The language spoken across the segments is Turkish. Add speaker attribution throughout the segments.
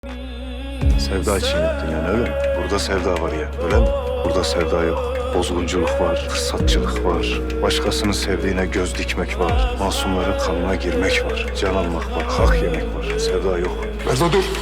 Speaker 1: Sevda için yaptın yani öyle mi? Burada sevda var ya öyle mi? Burada sevda yok. Bozgunculuk var, fırsatçılık var. Başkasının sevdiğine göz dikmek var. Masumların kanına girmek var. Can almak var, hak yemek var. Sevda yok.
Speaker 2: Merzo dur.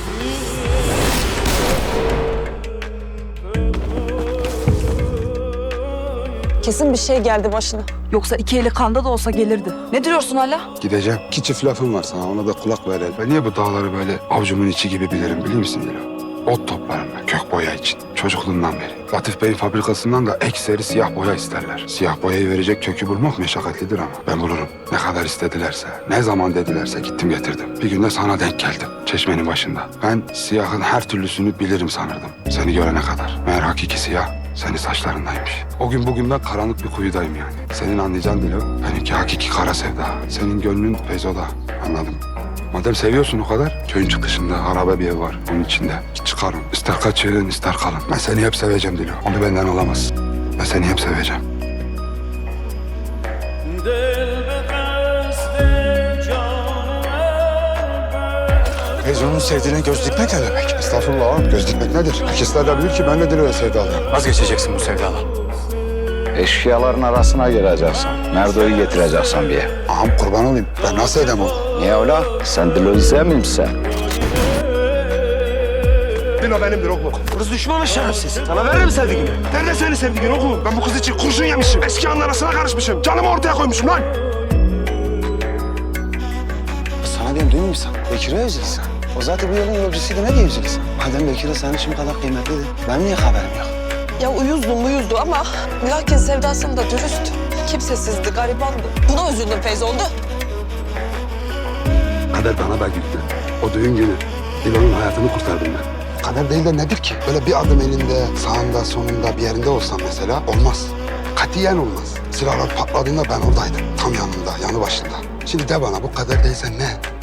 Speaker 3: Kesin bir şey geldi başına.
Speaker 4: Yoksa iki eli kanda da olsa gelirdi. Ne diyorsun hala?
Speaker 2: Gideceğim. İki çift lafım var sana. Ona da kulak ver. Ben niye bu dağları böyle avucumun içi gibi bilirim biliyor musun Dilo? Ot toplarım ben kök boya için. Çocukluğumdan beri. Latif Bey'in fabrikasından da ekseri siyah boya isterler. Siyah boyayı verecek kökü bulmak meşakkatlidir ama. Ben bulurum. Ne kadar istedilerse, ne zaman dedilerse gittim getirdim. Bir günde sana denk geldim. Çeşmenin başında. Ben siyahın her türlüsünü bilirim sanırdım. Seni görene kadar. Meğer hakiki siyah senin saçlarındaymış. O gün bugün ben karanlık bir kuyudayım yani. Senin anlayacağın Dilo, benimki hakiki kara sevda. Senin gönlün Feyzo'da. Anladım. Madem seviyorsun o kadar, köyün çıkışında harabe bir ev var. Onun içinde. Git çıkarın. İster kaçırın, ister kalın. Ben seni hep seveceğim Dilo. Onu benden alamazsın. Ben seni hep seveceğim.
Speaker 5: Feyzo'nun sevdiğine göz dikmek ne demek?
Speaker 2: Estağfurullah ağam. Göz dikmek nedir? Herkesler de bilir ki ben de Dilo'ya sevdalıyım.
Speaker 5: Vazgeçeceksin bu sevdadan.
Speaker 6: Eşkıyaların arasına gireceksin. Merdo'yu getireceksin bir yer.
Speaker 2: Ağam kurban olayım. Ben nasıl edem onu?
Speaker 6: Niye öyle? Sen Dilo'yu sevmiyor musun?
Speaker 7: Dilo benimdir oğlum. Kız düşmanı şerefsiz. Sana veririm sevdiğini. Nerede senin sevdiğin oğlum? Ben bu kız için kurşun yemişim. Eski anın arasına karışmışım. Canımı ortaya koymuşum lan.
Speaker 5: Sana diyorum duymuyor musun? Bekir'i özleyeceksin. O zaten bu yolun yolcusuydu, ne diyeceksin? Madem Bekir'e senin için bu kadar kıymetliydi, benim niye haberim yok?
Speaker 3: Ya uyuzdu ama lakin sevdasında dürüst. Kimsesizdi, garibandı. Buna üzüldüm Feyzoldu.
Speaker 2: Kader bana da güldü. O düğün günü Dilo'nun hayatını kurtardım ben. Kader değil de nedir ki? Böyle bir adım elinde, sağında, sonunda bir yerinde olsam mesela olmaz. Katiyen olmaz. Silahlar patladığında ben oradaydım. Tam yanında, yanı başında. Şimdi de bana bu kader değilse ne?